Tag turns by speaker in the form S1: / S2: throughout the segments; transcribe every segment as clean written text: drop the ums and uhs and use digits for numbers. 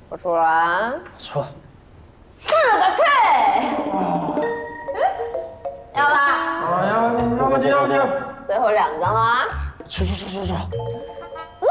S1: 我出来。
S2: 出。
S1: 4个退。要吧？
S2: 啊，要不就。
S1: 最后2张了啊！
S2: 出。
S1: 我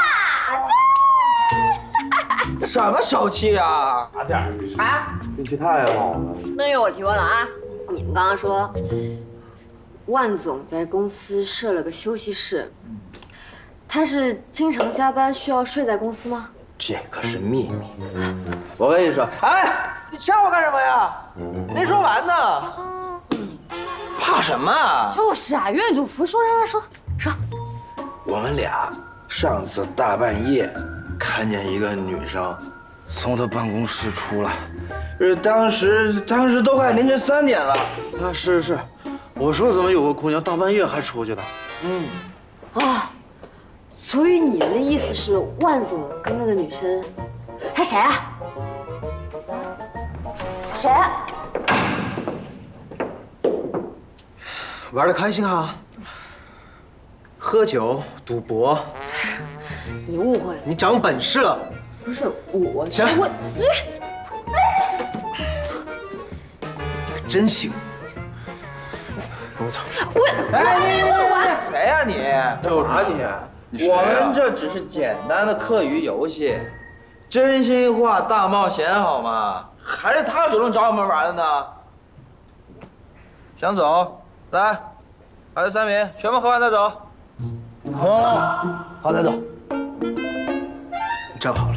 S2: 这什么手气啊？
S3: 差点
S1: 啊！
S3: 运气太好了。
S1: 那由我提问了啊！你们刚刚说，万总在公司设了个休息室，他是经常加班，需要睡在公司吗？
S2: 这可是秘密。我跟你说，哎，你抢我干什么呀？没说完呢。怕什么？
S1: 就是啊，愿赌服输，让他说。
S2: 我们俩上次大半夜看见一个女生从他办公室出来，当时都快凌晨3点了。
S3: 啊，是，我说怎么有个姑娘大半夜还出去的？
S1: 啊，所以你们的意思是万总跟那个女生，他谁啊？谁啊？
S4: 玩得开心哈，喝酒、赌博，
S1: 你误会了，
S4: 你长本事了。
S1: 不是我。
S4: 行
S1: 我
S4: 可真行。跟我走。
S2: 哎，你谁呀你？
S3: 干啥你？
S2: 我们这只是简单的课余游戏，真心话大冒险好吗？还是他主动找我们玩的呢。想走，来，还有3名，全部喝完再走。好，再走。
S4: 你站好了。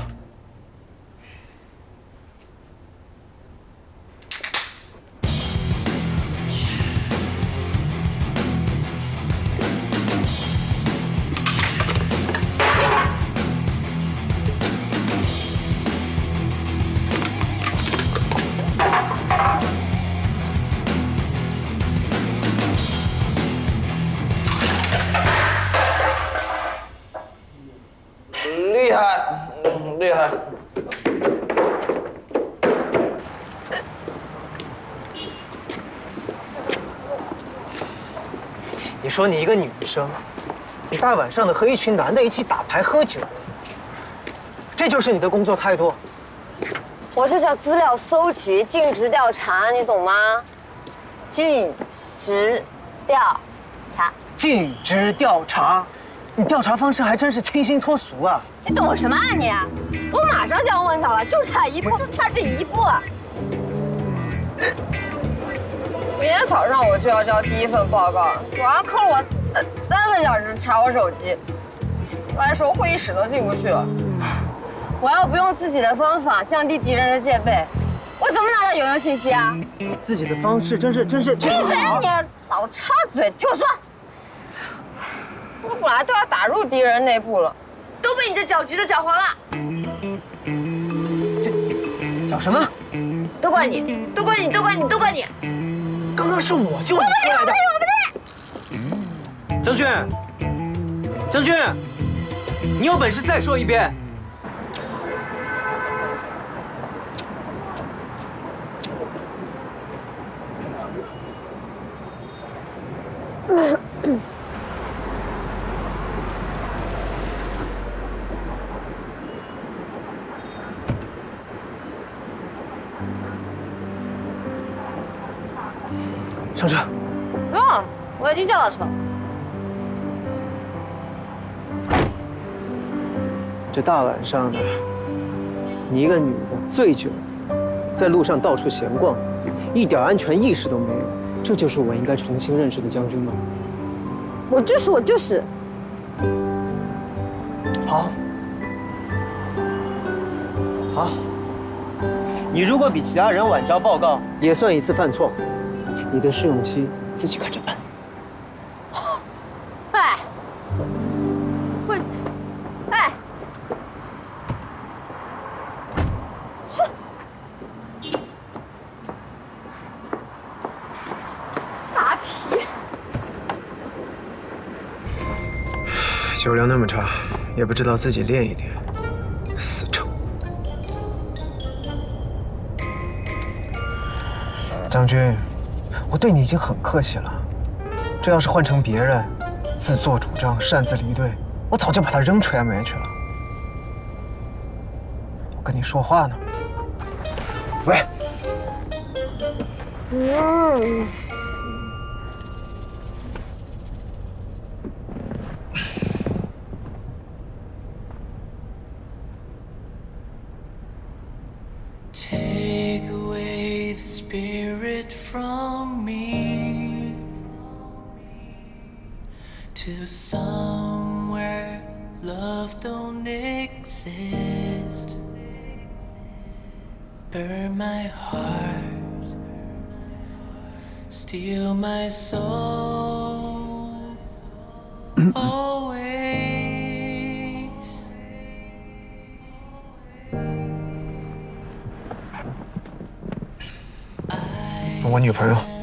S2: 厉害，厉害。
S4: 你说你一个女生，你大晚上的和一群男的一起打牌喝酒，这就是你的工作态度？
S1: 我这叫资料搜集，尽职调查，你懂吗？尽职调查。
S4: 尽职调查，你调查方式还真是清新脱俗啊！
S1: 你懂什么啊你？我马上就要问到了，就差一步，就差这一步。明天早上我就要交第1份报告，晚上坑了我3个小时查我手机，出来时候会议室都进不去了。我要不用自己的方法降低敌人的戒备，我怎么拿到有用信息啊？
S4: 自己的方式真是。闭
S1: 嘴！你老插嘴，听我说。我本来都要打入敌人内部了，都被你这搅局的搅黄了。
S4: 这搅什么？
S1: 都怪你！都怪你！都怪你！都怪你！
S4: 刚刚是我救你出来的。
S1: 我不对！
S4: 郑俊，郑俊，你有本事再说一遍。上车。
S1: 不用，我已经叫到车。
S4: 这大晚上的，你一个女的醉酒，在路上到处闲逛，一点安全意识都没有，这就是我应该重新认识的将军吗？
S1: 我就是。
S4: 好，好。你如果比其他人晚交报告，也算一次犯错。你的试用期自己看着办。
S1: 哎，我，哎，马屁！
S4: 酒量那么差，也不知道自己练一练，死撑。将军，我对你已经很客气了，这要是换成别人，自作主张、擅自离队，我早就把他扔垂崖里面去了。 跟你说话呢。喂。
S5: Take away the spirit from me to somewhere love don't exist. Burn my heart, steal my soul, always.
S6: 我女朋友。